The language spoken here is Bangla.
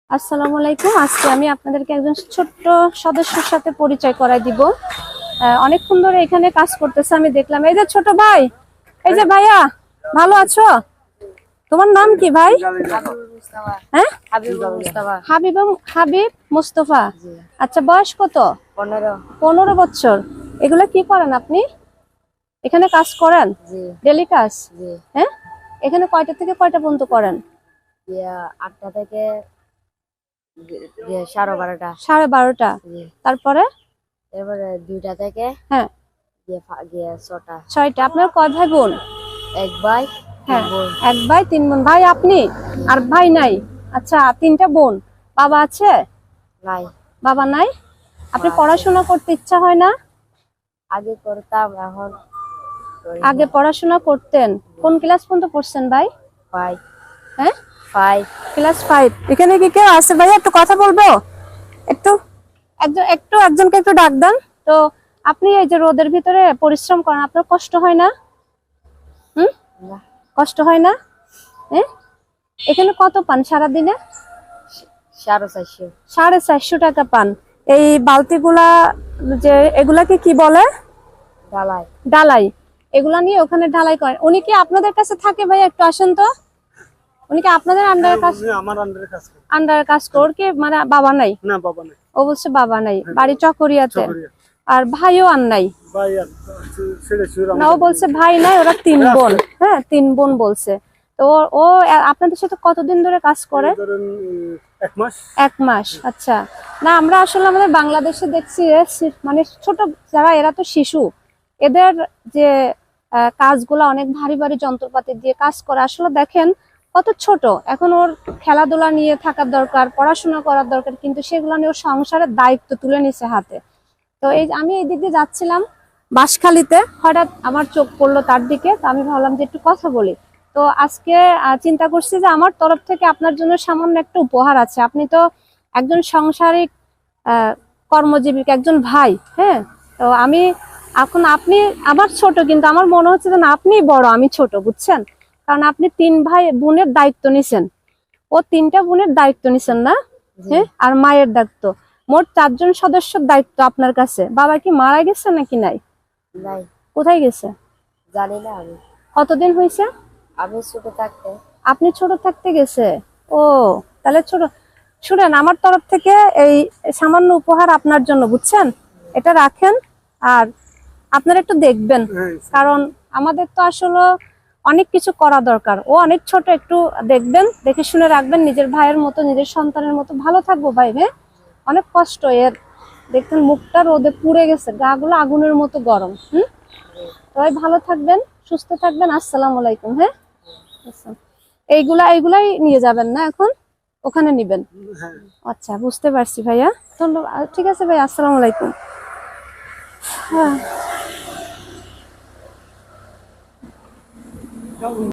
আসসালামু আলাইকুম। আজকে আমি আপনাদেরকে একজন ছোট্ট সদস্যের সাথে পরিচয় করাই দিব। অনেকক্ষণ ধরে এখানে কাজ করতেছে, আমি দেখলাম। এই যে ছোট ভাই, এই যে ভাইয়া, ভালো আছো? তোমার নাম কি ভাই? হ্যাঁ, হাবিব মুস্তফা। আচ্ছা, বয়স কত? 15 বছর। এগুলা কি করেন আপনি? এখানে কাজ করেন? ডেলি কাজ? হ্যাঁ। এখানে কয়টা থেকে কয়টা পর্যন্ত করেন? 8টা থেকে 12:30। 12:30। তারপরে? এবারে 2টা থেকে হ্যাঁ 6টা। আপনার কয় ভাই বোন? এক ভাই, হ্যাঁ, তিন বোন। 1 ভাই 3 বোন। ভাই আপনি? আর ভাই নাই? আচ্ছা, 3টা বোন। বাবা আছে? নাই। বাবা নাই? আপনি মা আছে। পড়াশোনা করতে ইচ্ছা হয় না? আগে করতাম, এখন করি আগে না। পড়াশোনা করতেন? কোন ক্লাস পর্যন্ত পড়ছেন ভাই? 5। হ্যাঁ, 5। ক্লাস 5। এখানে কি কেউ আছে ভাই? একটু কথা বলবো? একটু একজনকে একটু ডাক দেন তো। আপনি এই যে রোদের ভিতরে পরিশ্রম করেন, আপনার কষ্ট হয় না? না। কষ্ট হয় না? হ্যাঁ। এখানে কত পান সারাদিনে? 450। 450 টাকা পান। এই বালতিগুলা, যে এগুলাকে কি বলে? ডালাই। ডালাই। এগুলা নিয়ে ওখানে ঢালাই করেন। উনি কি আপনাদের কাছে থাকে ভাই? একটু আসেন তো। উনি কি আপনাদের আন্ডারে কাজ? আমার আন্ডারে কাজ করে। আন্ডারে কাজ করে কি? মানে বাবা নাই? না, বাবা নাই। ও বলছে বাবা নাই, বাড়ি চকরিয়াতে। চকরিয়া। আর ভাইও আর নাই? ভাই আর ছেড়ে ছুড়ে না, ও বলছে ভাই নাই, ওরা 3 বোন। হ্যাঁ, 3 বোন বলছে। তো ও আপনাদের সাথে কতদিন ধরে কাজ করে? ধরেন 1 মাস। 1 মাস। আচ্ছা। না, আমরা আসলে আমাদের বাংলাদেশে দেখছি মানে ছোট যারা, এরা তো শিশু, এদের যে কাজগুলো অনেক ভারী ভারী যন্ত্রপাতি দিয়ে কাজ করে। আসলে দেখেন কত ছোট। এখন ওর খেলাধুলা নিয়ে থাকার দরকার, পড়াশোনা করার দরকার, কিন্তু সেগুলো নিয়ে ওর সংসারের দায়িত্ব তুলে নিছে হাতে। তো আমি এই দিক দিয়ে যাচ্ছিলাম বাঁশখালীতে, হঠাৎ আমার চোখ পড়লো তার দিকে। তো আমি ভাবলাম যে একটু কথা বলি। তো আজকে চিন্তা করছি যে আমার তরফ থেকে আপনার জন্য সামান্য একটা উপহার আছে। আপনি তো একজন সাংসারিক কর্মজীবী, একজন ভাই। হ্যাঁ। তো এখন আপনি আমার ছোট, কিন্তু আমার মনে হচ্ছে যে না, আপনিই বড়, আমি ছোট, বুঝছেন? কারণ আপনি 3 ভাই বোনের দায়িত্ব নিছেন। ও 3টা বোনের দায়িত্ব নিছেন না? হ্যাঁ, আর মায়ের দায়িত্ব। মোট 4 জন সদস্যের দায়িত্ব আপনার কাছে। বাবা কি মারা গেছে নাকি নাই? নাই। কোথায় গেছে? জানি না আমি। কতদিন হয়েছে? আমি ছোট থাকতে। আপনি ছোট থাকতে গেছে? ও, তাহলে ছোট। শুনেন, আমার তরফ থেকে এই সামান্য উপহার আপনার জন্য, বুঝছেন? এটা রাখেন। আর আপনারা একটু দেখবেন, কারণ আমাদের তো আসলে অনেক কিছু করা দরকার। ও অনেক ছোট, একটু দেখবেন, দেখে শুনে রাখবেন। নিজের ভাইয়ের মতো, নিজের সন্তানের মতো ভালো থাকবো ভাই। হ্যাঁ, অনেক কষ্ট এর। দেখবেন মুখটা রোদে পুড়ে গেছে, গা গুলো আগুনের মতো গরম। সবাই ভালো থাকবেন, সুস্থ থাকবেন। আসসালামু আলাইকুম। হ্যাঁ, আচ্ছা। এইগুলাই নিয়ে যাবেন না এখন? ওখানে নিবেন? আচ্ছা, বুঝতে পারছি ভাইয়া। ধন্যবাদ। ঠিক আছে ভাই, আসসালামু আলাইকুম। হ্যাঁ।